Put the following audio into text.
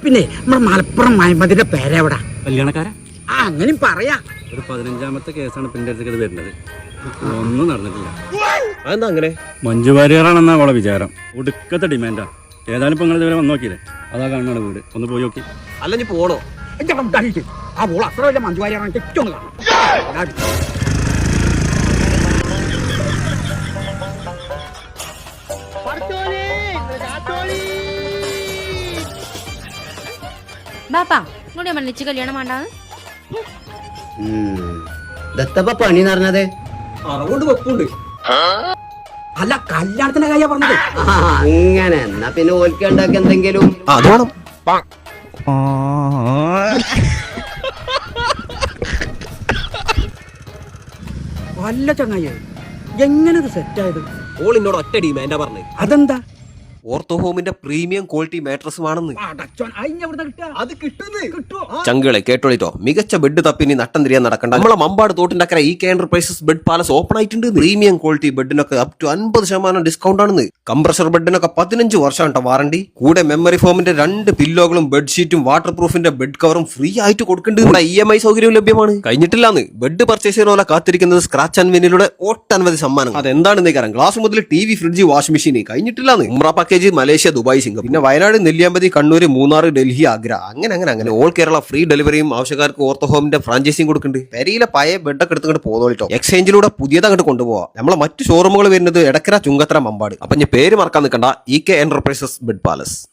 പിന്നെ നമ്മുടെ മലപ്പുറം മഹമ്മദിന്റെ പേരെവിടാ? കല്യാണക്കാരാ? ആ അങ്ങനെയും പറയാ. ഒരു 15ാമത്തെ കേസാണ് പിന്നെ അടുത്തേക്ക് വരുന്നത്. ഒന്നും നടന്നിട്ടില്ല. അതെന്താ അങ്ങനെ? മഞ്ജു വാര്യറാണെന്നാ അവളെ വിചാരം. ഒടുക്കത്തെ ഡിമാൻഡാ. ഏതായാലും ഇപ്പൊ നിങ്ങൾ ഇതുവരെ വന്നു നോക്കിയില്ലേ? അതാ കാണാണ് വീട്. ഒന്ന് പോയി നോക്കി. അല്ല നീ പോണോ? ആ പോൾ അത്ര വലിയ മഞ്ജു വാര്യറാണ്. ഏറ്റവും കാണാം. ബാപ്പാ ഇങ്ങോട്ട് മണ്ണിച്ച് കല്യാണം വേണ്ടാന്ന് ദത്തപ്പ പണി നടന്നത് അറിവുണ്ട് വെപ്പുണ്ട്. അല്ല കല്യാണത്തിന്റെ കാര്യ പറഞ്ഞത്. അങ്ങനെ എന്നാ പിന്നെ ഓൽക്ക് ഉണ്ടാക്കി എന്തെങ്കിലും അത് വേണം. വല്ല ചങ്ങായി എങ്ങനെ ഇത് സെറ്റായത്? ഓൾ എന്നോട് ഒറ്റ ഡിമാൻഡാ പറഞ്ഞത്. അതെന്താ? ഓർത്തോ ഹോമിന്റെ പ്രീമിയം ക്വാളിറ്റി മാട്രസുമാണെന്ന്. അത് കിട്ടുമോ? ചങ്കളെ കേട്ടോളിട്ടോ, മികച്ച ബെഡ് തപ്പിനി നട്ടം തിരിയാൻ നടക്കണ്ട. നമ്മളെ മമ്പാട് തോട്ടിന്റെ അക്കരെ EK enterprises bed palace open ആയിട്ടുണ്ട്. പ്രീമിയം ക്വാളിറ്റി ബെഡിനൊക്കെ അപ് ടു 50% ഡിസ്കൗണ്ട് ആണെന്ന്. കംപ്രഷർ ബെഡിനൊക്കെ 15 വർഷമാണ് വാറണ്ടി. കൂടെ മെമ്മറി ഫോമിന്റെ 2 പില്ലോകളും ബെഡ്ഷീറ്റും വാട്ടർ പ്രൂഫിന്റെ ബെഡ് കവറും ഫ്രീ ആയിട്ട് കൊടുക്കുന്നുണ്ട്. EMI സൗകര്യവും ലഭ്യമാണ്. കഴിഞ്ഞിട്ടില്ലാന്ന് ബെഡ് പർച്ചേസ് ചെയ്യുന്ന കാത്തിരിക്കുന്നത് സ്ക്രാച്ച് ആൻഡ് വിന്നിലൂടെ ഒട്ടനവധി സമ്മാനം. അതെന്താണെന്ന് കാരണം ഗ്ലാസ് മുതൽ TV, ഫ്രിഡ്ജ്, വാഷിംഗ് മെഷീൻ. കഴിഞ്ഞിട്ടില്ലാന്ന് ഉംറ പാക്കേജ് മലേഷ്യ, ദുബായ്, സിംഗപ്പൂർ, പിന്നെ വയനാട്, നെല്ലിയാമ്പതി, കണ്ണൂർ, മൂന്നാർ, ഡൽഹി, ആഗ്ര, അങ്ങനെ ഓൾ കേരള ഫ്രീ ഡെലിവറിയും ആവശ്യക്കാർക്ക് ഓർത്തോ ഹോമിന്റെ ഫ്രാഞ്ചൈസിയും കൊടുക്കുന്നുണ്ട്. പെരിയിലെ പഴയ ബെഡൊക്കെ എടുത്തുകൊണ്ട് പോന്നോളിട്ടോ. എക്സ്ചേഞ്ചിലൂടെ പുതിയത് അങ്ങോട്ട് കൊണ്ടുപോവാം. നമ്മളെ മറ്റു ഷോറൂമുകൾ വരുന്നത് എടക്കര, ചുങ്കത്തറ, മമ്പാട്. അപ്പൊ ഞാൻ പേര് മറക്കാൻ നിൽക്കണ്ട, EK എന്റർപ്രൈസസ് ബെഡ് പാലസ്.